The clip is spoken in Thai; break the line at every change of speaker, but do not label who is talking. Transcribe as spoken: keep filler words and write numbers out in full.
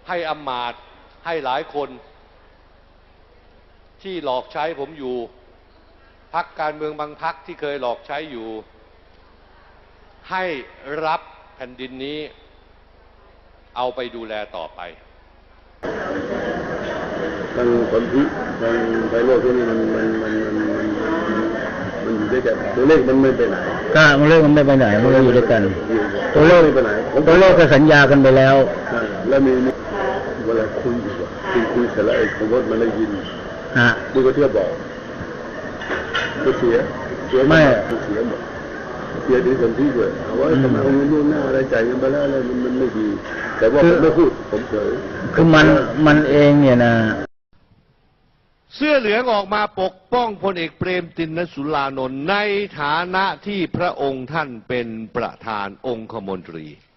ให้อำมาตย์ให้หลายคนที่หลอกใช้ผมอยู่พรรคการเมืองบางพรรคที่เคยหลอกใช้อยู่ให้รับแผ่นดินนี้เอาไปดูแลต่อไป
ทางคนที่ทางไพโรจน์ที่นี่มันมันมันมันมันอยู่ด้วยกันตัวเลขมันไม่ไปไหน
ก็ตัวเลขมันไม่ไปไหนมันก็อยู่ด้วยกัน
ตัวเลขไม่ไปไหน
ตัวเลขก็สัญญากันไปแล้ว
แล้วมีเวลาคุยอยู่คุยคุยเสร็จแล้วไอ้ขบวนมันได้ยิน
ฮะ
ดูก็เทียบบอกก็เสียเสียไม่เสียหมดเสียดีคนที่ด้วยเอาว่าทำไมเอาเงินล่วงหน้าอะไรจ่ายเงินไปแล้วอะไรมันไม่ดีแต่ว่าผมไม่พูดผมเฉย
คือมันมันเองเนี่ยนะ
เสื้อเหลืองออกมาปกป้องพลเอกเปรมติณสุรานนท์ในฐานะที่พระองค์ท่านเป็นประธานองคมนตรี